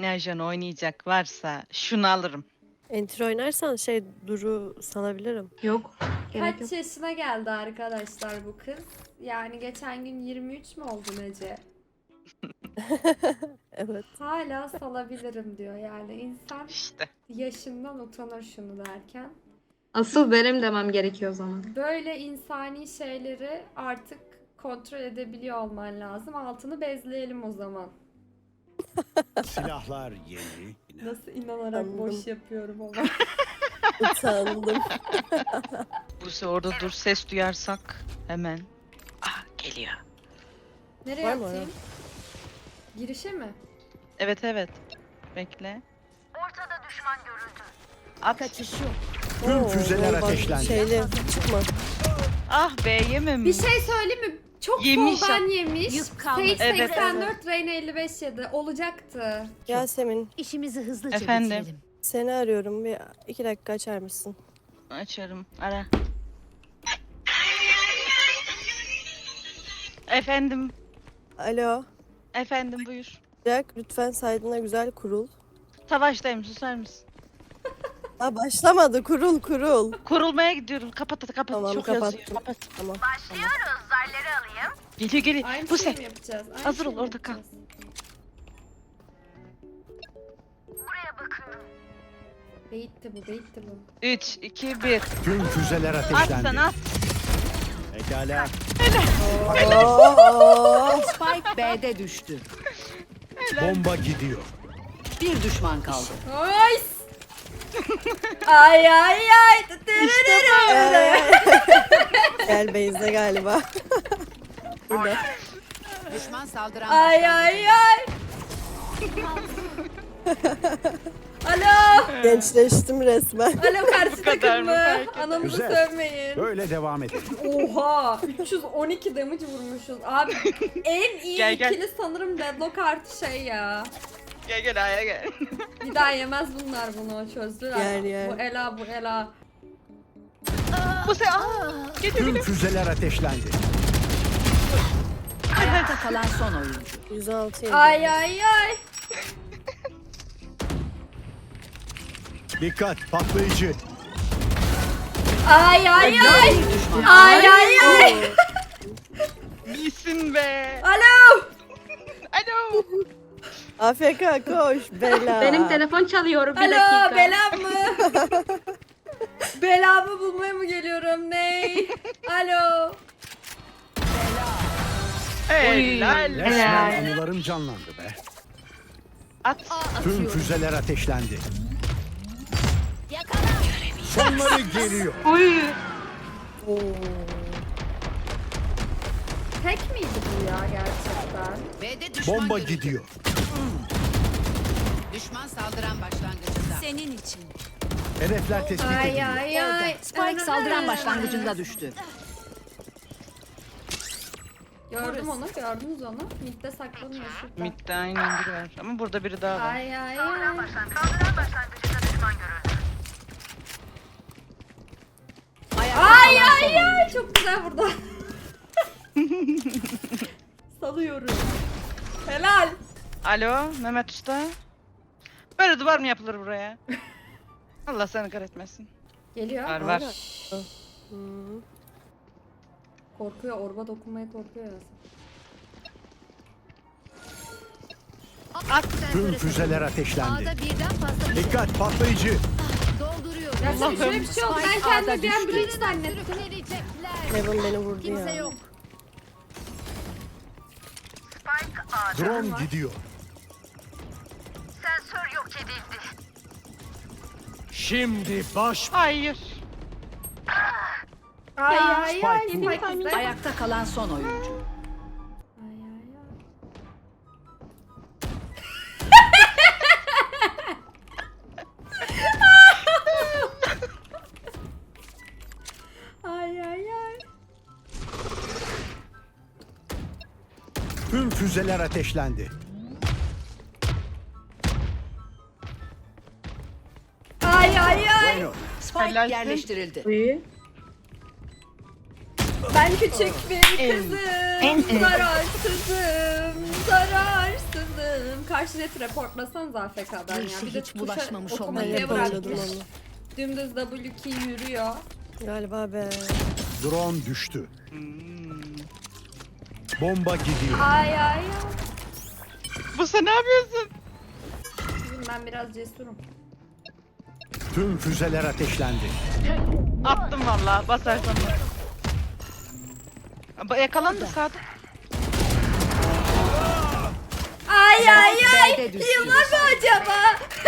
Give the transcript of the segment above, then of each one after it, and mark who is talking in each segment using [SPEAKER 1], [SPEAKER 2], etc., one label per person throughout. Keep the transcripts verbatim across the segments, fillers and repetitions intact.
[SPEAKER 1] yeni ajan oynayacak varsa şunu alırım.
[SPEAKER 2] Enter oynarsan şey Duru salabilirim.
[SPEAKER 3] Yok. Gerek
[SPEAKER 4] Kaç
[SPEAKER 3] yok.
[SPEAKER 4] yaşına geldi arkadaşlar bu kız? Yani geçen gün yirmi üç mü oldu Nece?
[SPEAKER 2] Evet.
[SPEAKER 4] Hala salabilirim diyor yani insan
[SPEAKER 1] İşte.
[SPEAKER 4] yaşından utanır şunu derken.
[SPEAKER 3] Asıl benim demem gerekiyor o zaman.
[SPEAKER 4] Böyle insani şeyleri artık kontrol edebiliyor olman lazım. Altını bezleyelim o zaman.
[SPEAKER 5] Silahlar yeni.
[SPEAKER 4] Nasıl inanarak
[SPEAKER 2] Anladım.
[SPEAKER 4] boş yapıyorum ama.
[SPEAKER 2] Utandım.
[SPEAKER 1] Buse orada dur, ses duyarsak hemen. Ah, geliyor.
[SPEAKER 4] Nereye
[SPEAKER 2] Var mı
[SPEAKER 4] atayım? Girişe mi?
[SPEAKER 1] Evet evet. Bekle. Ortada düşman görüldü. At.
[SPEAKER 5] Tüm
[SPEAKER 2] Oo,
[SPEAKER 5] füzeler
[SPEAKER 2] bak,
[SPEAKER 5] ateşlendi.
[SPEAKER 2] Şeyli çıkma.
[SPEAKER 1] Ah be, yemem.
[SPEAKER 4] Bir şey söyleyeyim mi? Çok
[SPEAKER 1] Yemiş.
[SPEAKER 4] soldan yemiş.
[SPEAKER 6] Yük kalmadı.
[SPEAKER 4] Sage
[SPEAKER 1] Evet,
[SPEAKER 4] seksen dört, Reyna elli beş yedi. Olacaktı.
[SPEAKER 2] Yasemin
[SPEAKER 6] İşimizi hızlıca
[SPEAKER 1] Efendim?
[SPEAKER 6] bitirelim.
[SPEAKER 2] seni arıyorum. Bir iki dakika açar mısın?
[SPEAKER 1] Açarım. Ara. Efendim.
[SPEAKER 2] Alo.
[SPEAKER 1] Efendim buyur.
[SPEAKER 2] Jack lütfen saydığına güzel kurul.
[SPEAKER 1] Savaştayım, susar mısın?
[SPEAKER 2] Ha başlamadı, kurul kurul.
[SPEAKER 1] Kurulmaya gidiyorum. Kapat hadi kapat.
[SPEAKER 2] Tamam,
[SPEAKER 1] Çok
[SPEAKER 2] kapattım.
[SPEAKER 1] yazıyor. Kapat.
[SPEAKER 2] Tamam.
[SPEAKER 1] Geliyor geliyor.
[SPEAKER 4] Aynı
[SPEAKER 1] Bu
[SPEAKER 4] şey
[SPEAKER 1] se.
[SPEAKER 4] mi yapacağız? Aynı
[SPEAKER 1] Hazır
[SPEAKER 4] şey
[SPEAKER 1] ol,
[SPEAKER 4] mi
[SPEAKER 1] orada kal.
[SPEAKER 4] yapacağız? Beytti bu, beytti bu.
[SPEAKER 1] üç, iki, bir.
[SPEAKER 5] Tüm füzeler
[SPEAKER 1] At
[SPEAKER 5] ateşlendi.
[SPEAKER 1] sen at.
[SPEAKER 5] Pekala.
[SPEAKER 2] Oo,
[SPEAKER 6] Spike B'de düştü.
[SPEAKER 5] Bomba gidiyor.
[SPEAKER 6] Bir düşman kaldı.
[SPEAKER 4] Nice! Ay ay ay!
[SPEAKER 2] gel Beyza galiba. Burada.
[SPEAKER 6] Düşman saldıran
[SPEAKER 4] Ay
[SPEAKER 6] başlangıcı.
[SPEAKER 4] ay ay! Alo!
[SPEAKER 2] Gençleştim resmen.
[SPEAKER 4] Alo karşı
[SPEAKER 1] kadar
[SPEAKER 4] takım
[SPEAKER 1] mı?
[SPEAKER 4] mı?
[SPEAKER 1] Fark eder.
[SPEAKER 4] Anamızı
[SPEAKER 5] Güzel.
[SPEAKER 4] sövmeyin.
[SPEAKER 5] Böyle devam edelim.
[SPEAKER 4] Oha! üç yüz on iki damage vurmuşuz. Abi en iyi
[SPEAKER 1] Gel, gel.
[SPEAKER 4] ikili sanırım Deadlock artı şey ya.
[SPEAKER 1] Gel gel aya gel.
[SPEAKER 4] Bir daha yemez bunlar bunu çözdüler.
[SPEAKER 2] Yer, yer.
[SPEAKER 4] Bu Ela bu Ela.
[SPEAKER 1] Bu se. Aa, geliyor
[SPEAKER 5] Tüm
[SPEAKER 1] geliyor.
[SPEAKER 5] füzeler ateşlendi.
[SPEAKER 6] Ayakta kalan son oyuncu.
[SPEAKER 2] yüz altı yedi.
[SPEAKER 4] Ay ay ay.
[SPEAKER 5] Dikkat patlayıcı.
[SPEAKER 4] Ay ay ay.
[SPEAKER 6] Bir düşman.
[SPEAKER 4] Ay ay ay.
[SPEAKER 1] İyisin be.
[SPEAKER 4] Alo.
[SPEAKER 1] Alo.
[SPEAKER 2] A F K koş bela.
[SPEAKER 3] Benim telefon çalıyor bir
[SPEAKER 4] Alo
[SPEAKER 3] dakika.
[SPEAKER 4] belam mı? Belamı bulmaya mı geliyorum ney? Alo.
[SPEAKER 1] Helal.
[SPEAKER 5] Resmen anılarım canlandı be.
[SPEAKER 1] At.
[SPEAKER 5] Tüm füzeler ateşlendi. Sonları geliyor.
[SPEAKER 2] Oo.
[SPEAKER 4] Tek miydi bu ya gerçekten?
[SPEAKER 6] B'de düşman
[SPEAKER 5] Bomba
[SPEAKER 6] görüldü.
[SPEAKER 5] gidiyor.
[SPEAKER 6] Düşman saldıran başlangıcında. Senin için.
[SPEAKER 5] Hedefler tespit
[SPEAKER 4] Ay
[SPEAKER 5] ediliyor.
[SPEAKER 4] ay ay.
[SPEAKER 6] Spike saldıran başlangıcında düştü.
[SPEAKER 4] Gördüm onu, gördünüz onu. Mid'de saklanıyor şurada.
[SPEAKER 1] Mid'de aynen biri var. Ama burada biri daha var.
[SPEAKER 4] Ay ay ay.
[SPEAKER 6] Ayakta
[SPEAKER 4] Ay
[SPEAKER 6] kalan son
[SPEAKER 4] ay ay.
[SPEAKER 6] oyuncu.
[SPEAKER 4] Çok güzel burada. Salıyorum. Helal.
[SPEAKER 1] Alo Mehmet Usta. Böyle duvar mı yapılır buraya? Allah seni kahretmesin.
[SPEAKER 4] Geliyor.
[SPEAKER 1] Var var.
[SPEAKER 2] Hmm.
[SPEAKER 4] Korkuyor, orba dokunmaya korkuyor ya.
[SPEAKER 1] At.
[SPEAKER 5] Tüm füzeler ateşlendi.
[SPEAKER 6] birden fazla
[SPEAKER 5] Dikkat patlayıcı.
[SPEAKER 6] dolduruyor.
[SPEAKER 4] Gerçekten şöyle bir şey oldu. Ben kendimi bir an bridge zannettim.
[SPEAKER 2] Heaven beni vurdu ya.
[SPEAKER 5] Drone gidiyor. Şimdi baş
[SPEAKER 1] Hayır.
[SPEAKER 4] Ay ay ay.
[SPEAKER 5] Spike
[SPEAKER 4] Spike bizde.
[SPEAKER 6] Ayakta kalan son oyuncu.
[SPEAKER 4] Ay ay ay. Ay ay ay.
[SPEAKER 5] tüm füzeler ateşlendi.
[SPEAKER 4] Ay ay ay.
[SPEAKER 5] Bueno.
[SPEAKER 6] Spike
[SPEAKER 1] Helalsin.
[SPEAKER 6] yerleştirildi.
[SPEAKER 3] Uyu.
[SPEAKER 4] Ben küçük bir kızım, zararsızım, zararsızım. Karşı net reportlasanız A F K'dan ya. Bir de
[SPEAKER 6] Hiç bulaşmamış
[SPEAKER 4] tuşa
[SPEAKER 6] olmayı
[SPEAKER 4] otomatiğe
[SPEAKER 2] yapamadım
[SPEAKER 4] bırakmış.
[SPEAKER 2] onu.
[SPEAKER 4] Dümdüz W key yürüyor.
[SPEAKER 2] Galiba be.
[SPEAKER 5] Drone düştü.
[SPEAKER 1] Hmm.
[SPEAKER 5] Bomba gidiyor.
[SPEAKER 4] Ay ay ay.
[SPEAKER 1] Bu sen ne yapıyorsun?
[SPEAKER 4] Kızım ben biraz cesurum.
[SPEAKER 5] Tüm füzeler ateşlendi.
[SPEAKER 1] Attım valla basarsan bas. Ba- Yakalandı Sadık.
[SPEAKER 4] Ay ay ay.
[SPEAKER 6] B'de düştü.
[SPEAKER 4] Yıllar mı acaba?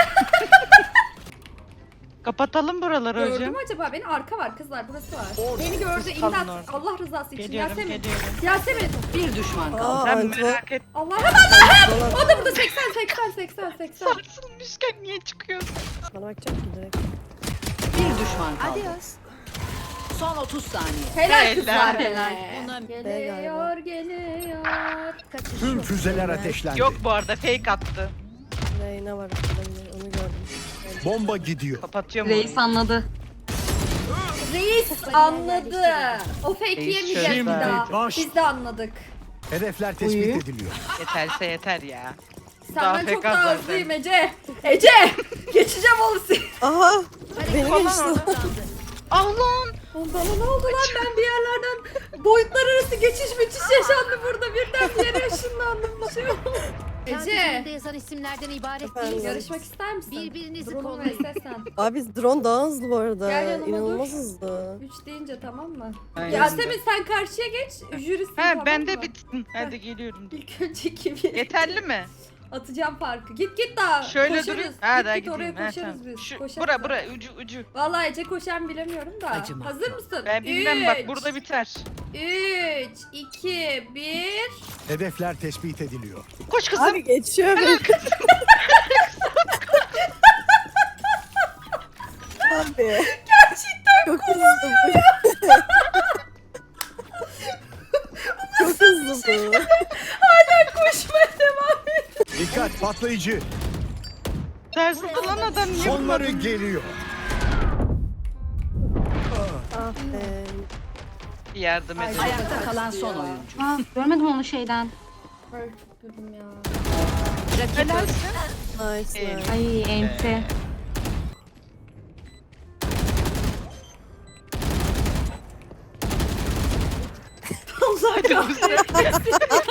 [SPEAKER 1] Kapatalım buraları
[SPEAKER 4] Gördün
[SPEAKER 1] hocam.
[SPEAKER 4] mü acaba? Beni arka var kızlar burası var. Beni gördü
[SPEAKER 1] Kalın
[SPEAKER 4] imdat.
[SPEAKER 1] orada.
[SPEAKER 4] Allah rızası için.
[SPEAKER 1] Geliyorum,
[SPEAKER 4] Yasemin.
[SPEAKER 1] geliyorum.
[SPEAKER 4] Yasemin.
[SPEAKER 6] Bir düşman kaldı.
[SPEAKER 2] Aa,
[SPEAKER 1] Sen
[SPEAKER 2] Antwo.
[SPEAKER 1] merak et.
[SPEAKER 4] Allah'ım Allah'ım. O da burada seksen seksen seksen seksen.
[SPEAKER 1] Sarsılmışken niye çıkıyorsun?
[SPEAKER 2] Bana bakacak ki direkt.
[SPEAKER 6] Bir düşman kaldı. Son otuz saniye.
[SPEAKER 4] Helal
[SPEAKER 1] Helal.
[SPEAKER 4] kızlar helal.
[SPEAKER 6] Buna
[SPEAKER 4] Geliyor geliyor.
[SPEAKER 5] Tüm füzeler ateşlendi.
[SPEAKER 1] Yok bu arada fake attı.
[SPEAKER 2] Reyna var orada, onu gördüm.
[SPEAKER 5] Bomba gidiyor.
[SPEAKER 1] Kapatıyorum
[SPEAKER 3] Reis
[SPEAKER 1] orayı.
[SPEAKER 3] anladı.
[SPEAKER 4] Reis anladı. O fake
[SPEAKER 1] Reis
[SPEAKER 4] yemeyeceğiz bir
[SPEAKER 1] şöyle.
[SPEAKER 4] daha.
[SPEAKER 5] Baş-
[SPEAKER 4] Biz de anladık.
[SPEAKER 5] Hedefler tespit
[SPEAKER 3] Uyu.
[SPEAKER 5] ediliyor.
[SPEAKER 1] Yeterse yeter ya.
[SPEAKER 4] Senden
[SPEAKER 1] Daha
[SPEAKER 4] çok
[SPEAKER 1] fake
[SPEAKER 4] daha
[SPEAKER 1] zaten.
[SPEAKER 4] hızlıyım Ece. Ece. Geçeceğim oğlum seni.
[SPEAKER 2] Aha! Beni
[SPEAKER 1] Falan
[SPEAKER 2] geçti.
[SPEAKER 1] orada. Ah lan.
[SPEAKER 4] Oğlum Bana ne oldu lan ben bir yerlerden boyutlar arası geçiş müthiş yaşandı burada birden bir yere ışınlandım bir şey oldu. Ece
[SPEAKER 6] Ece. yazan isimlerden ibaret
[SPEAKER 2] Efendim?
[SPEAKER 6] değil.
[SPEAKER 4] yarışmak ister misin?
[SPEAKER 6] Birbirinizi
[SPEAKER 4] Drone'un
[SPEAKER 6] kollayın.
[SPEAKER 4] ve sen.
[SPEAKER 2] Abi drone daha hızlı bu arada.
[SPEAKER 4] Gel yanıma
[SPEAKER 2] İnanılmaz
[SPEAKER 4] dur.
[SPEAKER 2] hızlı.
[SPEAKER 4] Üç deyince tamam mı?
[SPEAKER 1] Aynen.
[SPEAKER 4] Yasemin sen karşıya geç jürisin
[SPEAKER 1] He
[SPEAKER 4] tamam
[SPEAKER 1] ben
[SPEAKER 4] mı?
[SPEAKER 1] de bitsin. Hadi geliyorum.
[SPEAKER 4] İlk önce kimi?
[SPEAKER 1] Yeterli mi?
[SPEAKER 4] Atacağım farkı. Git git daha.
[SPEAKER 1] Şöyle
[SPEAKER 4] koşarız.
[SPEAKER 1] durayım. Ha
[SPEAKER 4] Git
[SPEAKER 1] daha
[SPEAKER 4] git oraya
[SPEAKER 1] gideyim. Ha,
[SPEAKER 4] koşarız
[SPEAKER 1] tamam.
[SPEAKER 4] biz.
[SPEAKER 1] Şu,
[SPEAKER 4] Koşarız.
[SPEAKER 1] bura bura ucu ucu.
[SPEAKER 4] Vallahi Ece koşan bilemiyorum da.
[SPEAKER 6] Acımasız.
[SPEAKER 4] Hazır mısın?
[SPEAKER 1] Ben bilmem bak
[SPEAKER 4] Üç,
[SPEAKER 1] burada biter.
[SPEAKER 4] üç, iki, bir.
[SPEAKER 5] Hedefler tespit ediliyor.
[SPEAKER 1] Koş kızım.
[SPEAKER 2] Abi geçiyor beni. Abi.
[SPEAKER 4] Gerçekten
[SPEAKER 2] Çok hızlı bu. Çok hızlı bu.
[SPEAKER 4] hala koşmaya devam et.
[SPEAKER 5] Dikkat patlayıcı.
[SPEAKER 1] Ters lan adam niye
[SPEAKER 5] Sonları
[SPEAKER 1] vurmadın?
[SPEAKER 5] geliyor.
[SPEAKER 2] Ah be.
[SPEAKER 1] Bir yardım edin.
[SPEAKER 6] Ayakta kalan son oyuncu.
[SPEAKER 3] Aa, görmedim onu şeyden.
[SPEAKER 4] Ay çok güldüm ya.
[SPEAKER 1] Helalsin.
[SPEAKER 2] Nice
[SPEAKER 1] Ee,
[SPEAKER 2] nice.
[SPEAKER 3] Ay ente.
[SPEAKER 4] Allah kahretsin.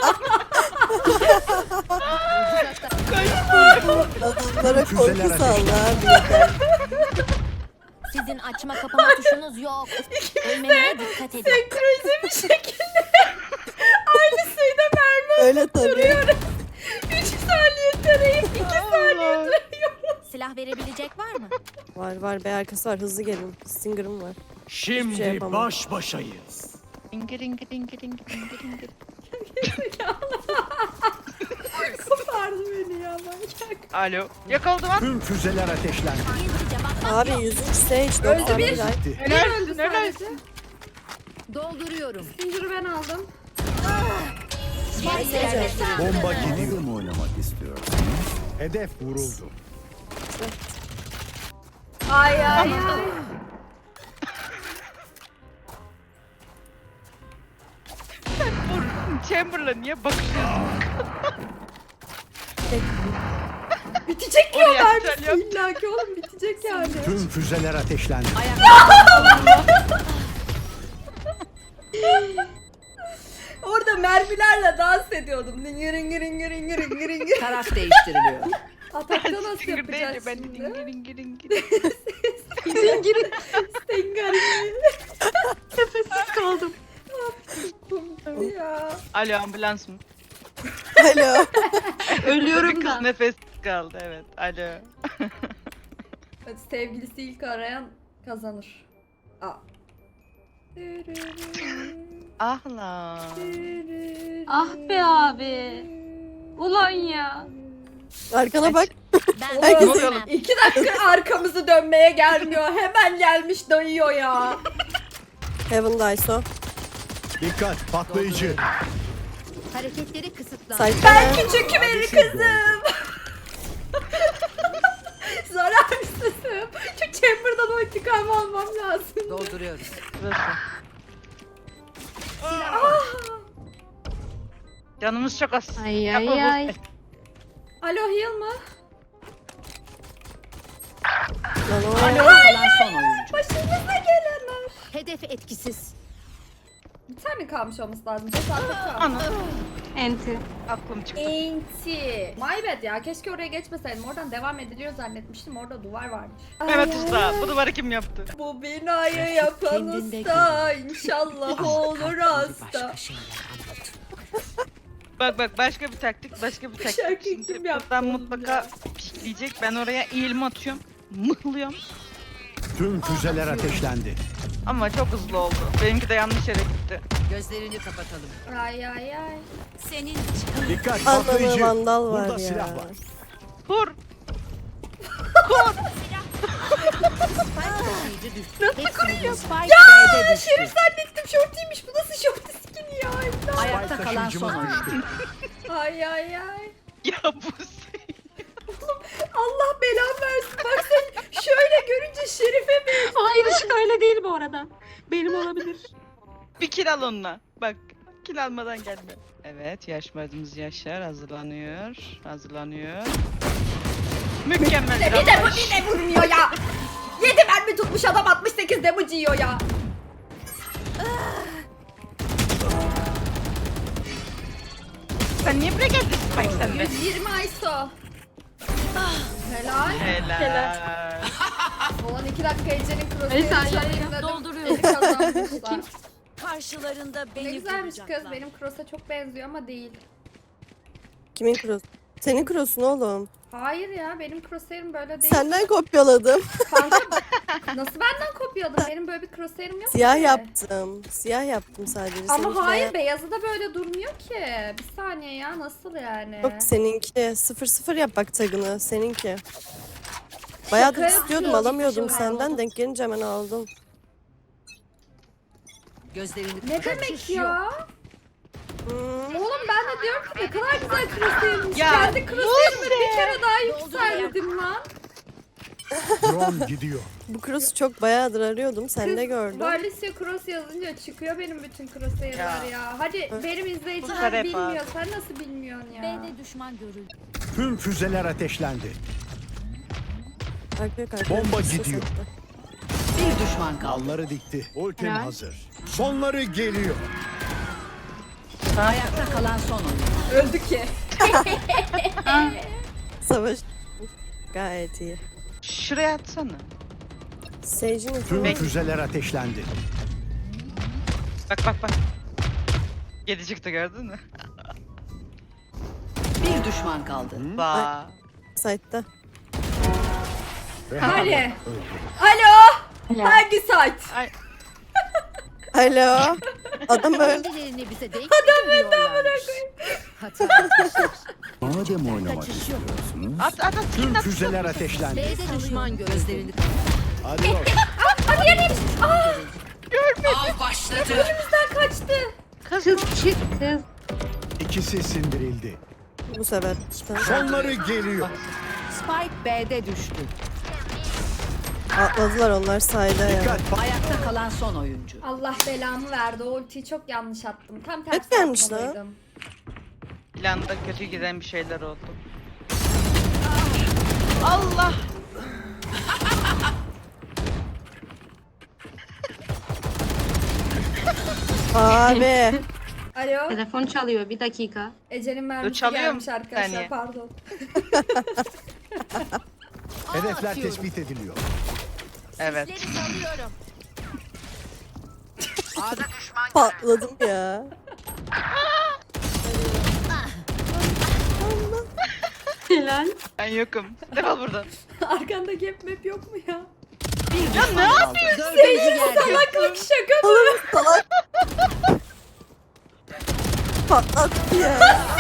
[SPEAKER 2] Adamlara
[SPEAKER 5] Füzeler
[SPEAKER 2] korku salla
[SPEAKER 5] ateşlendi.
[SPEAKER 2] abi yeter.
[SPEAKER 7] Sizin açma kapama tuşunuz yok. Ölmemeye dikkat edin.
[SPEAKER 4] Senkronize bir şekilde aynı sayıda mermi
[SPEAKER 2] Öyle tabii.
[SPEAKER 4] vuruyoruz. üç saniye tarayıp iki saniye
[SPEAKER 1] Allah.
[SPEAKER 7] Silah verebilecek var mı?
[SPEAKER 2] Var var be arkası var hızlı gelin. Stinger'ım var.
[SPEAKER 5] Şimdi
[SPEAKER 2] şey yapamam.
[SPEAKER 5] baş başayız.
[SPEAKER 1] İngir ingir ingir ingir ingir ingir.
[SPEAKER 4] kopardı beni ya manyak.
[SPEAKER 1] Alo. Yakaladı lan.
[SPEAKER 5] Tüm füzeler ateşlendi.
[SPEAKER 7] Gizlice bakmak
[SPEAKER 2] Abi
[SPEAKER 7] yok.
[SPEAKER 2] yüzüncü stage dört
[SPEAKER 4] Öldü
[SPEAKER 2] tane
[SPEAKER 4] bir.
[SPEAKER 2] bir ay.
[SPEAKER 5] Bitti.
[SPEAKER 4] Bir öldü
[SPEAKER 1] Helalsin
[SPEAKER 4] sadece.
[SPEAKER 1] helalsin.
[SPEAKER 6] Dolduruyorum.
[SPEAKER 4] Zinciri ben aldım.
[SPEAKER 5] Bomba gidiyor. mu oynamak istiyorsunuz? Hedef vuruldu.
[SPEAKER 4] Ay ay ay.
[SPEAKER 1] Chamberlain niye bakıyorsun?
[SPEAKER 4] Bitecek ki o
[SPEAKER 1] Oraya
[SPEAKER 4] mermisi
[SPEAKER 1] sen yap.
[SPEAKER 4] illa ki oğlum bitecek yani.
[SPEAKER 5] Tüm füzeler ateşlendi.
[SPEAKER 4] Orada mermilerle dans ediyordum. Ringir ringir ringir ringir ringir ringir.
[SPEAKER 6] Taraf değiştiriliyor.
[SPEAKER 4] Atakta nasıl
[SPEAKER 1] Stinger
[SPEAKER 4] yapacağız
[SPEAKER 1] değil, ben
[SPEAKER 4] şimdi?
[SPEAKER 1] ingir ingir ingir.
[SPEAKER 4] Ringir Stinger Nefessiz kaldım. Ya.
[SPEAKER 1] Alo ambulans mı?
[SPEAKER 2] Alo.
[SPEAKER 1] Bir
[SPEAKER 3] Ölüyorum
[SPEAKER 1] kız
[SPEAKER 3] da.
[SPEAKER 1] nefes kaldı evet. Alo.
[SPEAKER 4] Hadi sevgilisi ilk arayan kazanır. Aa.
[SPEAKER 1] Ah lan.
[SPEAKER 3] Ah be abi. Ulan ya.
[SPEAKER 2] Arkana bak.
[SPEAKER 7] Ben
[SPEAKER 2] Herkes-
[SPEAKER 7] ölmem.
[SPEAKER 4] İki dakika arkamızı dönmeye gelmiyor. Hemen gelmiş dayıyor ya.
[SPEAKER 2] Heaven Daiso.
[SPEAKER 5] Dikkat patlayıcı.
[SPEAKER 6] Hareketleri kısıtlan.
[SPEAKER 2] Side
[SPEAKER 4] Ben küçük bir kızım. Zararsızım. Şu chamber'dan o intikamı almam lazım.
[SPEAKER 6] Dolduruyoruz.
[SPEAKER 1] Burası. Canımız çok az.
[SPEAKER 3] Ay
[SPEAKER 1] Yapma
[SPEAKER 3] ay
[SPEAKER 1] bu-
[SPEAKER 3] ay.
[SPEAKER 4] Alo heal mı?
[SPEAKER 2] Lan o
[SPEAKER 6] Ayakta kalan son oyuncu.
[SPEAKER 4] Başımıza gelenler.
[SPEAKER 7] Hedef etkisiz.
[SPEAKER 4] Bir tane kalmış olması lazım. Cesaret kalmış.
[SPEAKER 1] Ana.
[SPEAKER 3] Enti.
[SPEAKER 1] Aklım çıktı.
[SPEAKER 4] Enti. My bad ya. Keşke oraya geçmeseydim. Oradan devam ediliyor zannetmiştim. Orada duvar varmış.
[SPEAKER 1] Mehmet Usta. Bu duvarı kim yaptı?
[SPEAKER 4] Bu binayı yapan
[SPEAKER 6] Kendinde
[SPEAKER 4] usta inşallah olur hasta.
[SPEAKER 1] Bak bak başka bir taktik, başka bir taktik.
[SPEAKER 4] Şarkıyı
[SPEAKER 1] Şimdi
[SPEAKER 4] kim yaptı
[SPEAKER 1] buradan
[SPEAKER 4] oğlum
[SPEAKER 1] mutlaka
[SPEAKER 4] ya?
[SPEAKER 1] pikleyecek. Ben oraya eğilme atıyorum. Mıhlıyorum.
[SPEAKER 5] Tüm füzeler ateşlendi.
[SPEAKER 1] Ama çok hızlı oldu. Benimki de yanlış yere gitti.
[SPEAKER 6] Gözlerini kapatalım.
[SPEAKER 4] Ay ay ay.
[SPEAKER 7] Senin için.
[SPEAKER 5] Dikkat
[SPEAKER 2] Anladığı
[SPEAKER 5] patlayıcı.
[SPEAKER 2] vandal var
[SPEAKER 5] Burada
[SPEAKER 2] ya.
[SPEAKER 5] silah var.
[SPEAKER 1] Vur.
[SPEAKER 6] Nasıl kuruyor? Ya
[SPEAKER 4] Şerif zannettim şortiymiş. Bu nasıl şorti skin ya? İmdat.
[SPEAKER 6] Ayakta kalan
[SPEAKER 5] Taşıyıcımız
[SPEAKER 6] son oyuncu.
[SPEAKER 5] düştü.
[SPEAKER 4] Ay ay ay.
[SPEAKER 1] Ya bu şey.
[SPEAKER 4] Allah belanı versin. Bak sen şöyle görünce Şerif'e bir...
[SPEAKER 3] Hayır ışık öyle değil bu arada. Benim olabilir.
[SPEAKER 1] Bir kill al onunla. Bak. Kill almadan gelme. Evet. Yaşmadığımız yaşlar hazırlanıyor. Hazırlanıyor. Mükemmel.
[SPEAKER 4] Bir de
[SPEAKER 1] bir
[SPEAKER 4] bu bir de vurmuyor ya. yedi mermi tutmuş adam altmış sekiz damage yiyor ya.
[SPEAKER 1] Sen niye buraya geldin Spike sen de?
[SPEAKER 4] yüz yirmi I S O. Helal.
[SPEAKER 1] Helal.
[SPEAKER 4] Olan iki dakika Ece'nin
[SPEAKER 3] Neyse,
[SPEAKER 4] crosshair'ı
[SPEAKER 3] ay, ay,
[SPEAKER 4] çalayım dedim.
[SPEAKER 7] dolduruyorum.
[SPEAKER 4] Beni kazanmışlar.
[SPEAKER 7] Karşılarında
[SPEAKER 4] Ne
[SPEAKER 7] beni
[SPEAKER 4] güzelmiş kız.
[SPEAKER 7] bulacaklar.
[SPEAKER 4] Benim cross'a çok benziyor ama değil.
[SPEAKER 2] Kimin cross? Senin cross'un oğlum.
[SPEAKER 4] Hayır ya benim crosshair'ım böyle değil.
[SPEAKER 2] Senden kopyaladım.
[SPEAKER 4] Kanka nasıl benden kopyadın? Benim böyle bir crosshair'ım yok
[SPEAKER 2] Siyah
[SPEAKER 4] ki.
[SPEAKER 2] yaptım. Siyah yaptım sadece.
[SPEAKER 4] Ama
[SPEAKER 2] Seninki
[SPEAKER 4] hayır
[SPEAKER 2] de-
[SPEAKER 4] beyazı da böyle durmuyor ki. Bir saniye ya nasıl yani?
[SPEAKER 2] Yok seninki. Sıfır sıfır yap bak tagını. Seninki. Bayağıdır
[SPEAKER 4] Şaka
[SPEAKER 2] istiyordum
[SPEAKER 4] yapıyorsun.
[SPEAKER 2] alamıyordum
[SPEAKER 4] Şaka
[SPEAKER 2] senden. Denk gelince hemen aldım.
[SPEAKER 6] Gözlerini
[SPEAKER 4] Ne
[SPEAKER 6] kapat.
[SPEAKER 4] demek ya?
[SPEAKER 2] Hmm.
[SPEAKER 4] Oğlum ben de diyorum ki ne kadar güzel crosshair'miş.
[SPEAKER 1] Ya,
[SPEAKER 4] Kendi crosshair'ımı bir kere daha yükseldim lan.
[SPEAKER 5] Drone gidiyor.
[SPEAKER 2] Bu cross'u çok bayağıdır arıyordum. Sen de gördün.
[SPEAKER 4] Valisio cross yazınca çıkıyor benim bütün crosshair'lar ya. ya. Hadi benim izleyiciler
[SPEAKER 1] Bunlar hep
[SPEAKER 4] bilmiyor.
[SPEAKER 1] abi.
[SPEAKER 4] Sen nasıl bilmiyorsun ya?
[SPEAKER 7] B'de düşman görüldü.
[SPEAKER 5] Tüm füzeler ateşlendi.
[SPEAKER 2] Arkaya kalk.
[SPEAKER 5] Bomba gidiyor.
[SPEAKER 6] Bir düşman kaldı.
[SPEAKER 5] Dalları dikti. Ultim
[SPEAKER 3] Helal.
[SPEAKER 5] hazır. Sonları geliyor.
[SPEAKER 6] Ayakta kalan son oyuncu.
[SPEAKER 4] Öldü ki.
[SPEAKER 2] Savaş. Gayet iyi.
[SPEAKER 1] Şuraya atsana.
[SPEAKER 2] Sage'in
[SPEAKER 5] Tüm
[SPEAKER 1] Bek-
[SPEAKER 5] füzeler ateşlendi.
[SPEAKER 1] Bak bak bak. Yedi çıktı gördün mü?
[SPEAKER 6] Bir düşman kaldı.
[SPEAKER 1] Ba.
[SPEAKER 2] site'da.
[SPEAKER 5] Ve
[SPEAKER 4] Hadi.
[SPEAKER 5] öldü.
[SPEAKER 4] Alo. Hangi site?
[SPEAKER 1] Ay.
[SPEAKER 2] Alo. Adam öldü.
[SPEAKER 7] Kendilerini bize denk getiriyorlarmış. Hata etmişler.
[SPEAKER 5] Madem oynamak
[SPEAKER 7] Kaçış yok.
[SPEAKER 5] istiyorsunuz.
[SPEAKER 1] At at at.
[SPEAKER 5] Tüm
[SPEAKER 1] at.
[SPEAKER 5] füzeler ateşlendi.
[SPEAKER 7] B'de düşman görüldü.
[SPEAKER 6] Gözlerini kapat.
[SPEAKER 5] Hadi bak.
[SPEAKER 6] Av başladı.
[SPEAKER 4] Önümüzden kaçtı.
[SPEAKER 3] Kız çık kız.
[SPEAKER 5] İkisi sindirildi.
[SPEAKER 2] Bu sefer. Tamam.
[SPEAKER 5] Sonları geliyor.
[SPEAKER 6] Spike B'de düştü.
[SPEAKER 2] Atladılar onlar sayda ya.
[SPEAKER 5] Dikkat.
[SPEAKER 6] Ayakta kalan son oyuncu.
[SPEAKER 4] Allah belamı verdi. O ultiyi çok yanlış attım. Tam tersi
[SPEAKER 2] Evet gelmiş lan.
[SPEAKER 4] atmalıydım.
[SPEAKER 1] Planda kötü giden bir şeyler oldu. Allah.
[SPEAKER 2] Abi.
[SPEAKER 4] Alo.
[SPEAKER 3] Telefon çalıyor bir dakika.
[SPEAKER 4] Ece'nin mermisi
[SPEAKER 1] çalıyor
[SPEAKER 4] gelmiş
[SPEAKER 1] mu?
[SPEAKER 4] arkadaşlar.
[SPEAKER 1] Saniye.
[SPEAKER 4] Pardon.
[SPEAKER 5] Hedefler
[SPEAKER 7] atıyorum.
[SPEAKER 5] tespit ediliyor.
[SPEAKER 1] Evet.
[SPEAKER 7] Sesleri salıyorum.
[SPEAKER 2] Patladım ya.
[SPEAKER 3] Helal.
[SPEAKER 1] Ben yokum. Defol buradan.
[SPEAKER 4] Arkanda gap map yok mu ya?
[SPEAKER 6] Bir düşman kaldı. Dördüncü yerde.
[SPEAKER 4] Salaklık şaka mı?
[SPEAKER 2] Oğlum salak. Patlattı ya.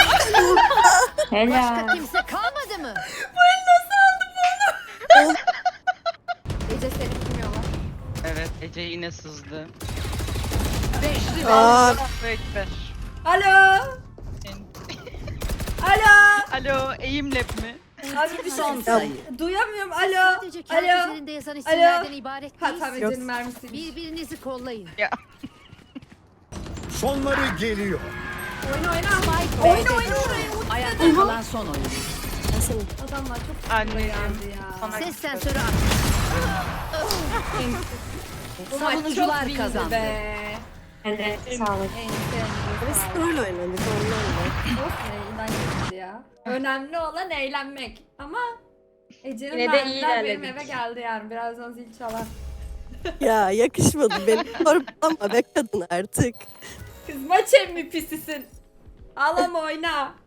[SPEAKER 7] Başka kimse kalmadı mı?
[SPEAKER 4] Ece seni bilmiyorlar.
[SPEAKER 1] Evet. Ece yine sızdı.
[SPEAKER 6] Beşli ve
[SPEAKER 2] Aa,
[SPEAKER 1] Allahu Ekber.
[SPEAKER 4] Alo. Alo.
[SPEAKER 1] Alo. Eğim lab mi?
[SPEAKER 4] Abi bir
[SPEAKER 6] son
[SPEAKER 4] şey
[SPEAKER 6] sayı.
[SPEAKER 4] duyamıyorum. Alo.
[SPEAKER 7] Sadece kendi
[SPEAKER 4] Alo.
[SPEAKER 7] üzerinde yazan isimlerden ibaret
[SPEAKER 4] Ha
[SPEAKER 7] değil.
[SPEAKER 4] tamam
[SPEAKER 2] Yok.
[SPEAKER 4] Ece'nin mermisi.
[SPEAKER 7] Birbirinizi kollayın.
[SPEAKER 1] Ya.
[SPEAKER 5] Sonları geliyor.
[SPEAKER 4] Oyna oyna. Oyna oyna orayı.
[SPEAKER 6] Ayakta kalan son oyuncu.
[SPEAKER 2] Ben senin.
[SPEAKER 4] Adamlar çok
[SPEAKER 1] Anneciğim.
[SPEAKER 4] geldi ya.
[SPEAKER 1] Sana
[SPEAKER 6] Ses
[SPEAKER 1] küfür.
[SPEAKER 6] sensörü aç.
[SPEAKER 4] Bu maç çok
[SPEAKER 6] Savunucular
[SPEAKER 4] iyiydi
[SPEAKER 6] kazandı.
[SPEAKER 4] be.
[SPEAKER 3] Evet sağlık.
[SPEAKER 4] En
[SPEAKER 2] Biz
[SPEAKER 4] sevdiğim
[SPEAKER 2] troll oynadık ondan da.
[SPEAKER 4] Olsun inan gitti ya. Önemli olan eğlenmek. Ama Ece'nin
[SPEAKER 3] Yine de iyi
[SPEAKER 4] mermiler benim
[SPEAKER 3] ilerledik.
[SPEAKER 4] eve geldi yani. Birazdan zil çalar.
[SPEAKER 2] Ya yakışmadı benim. Sorma be kadın artık.
[SPEAKER 4] Kız maç M V P'sisin. Ağlama oyna.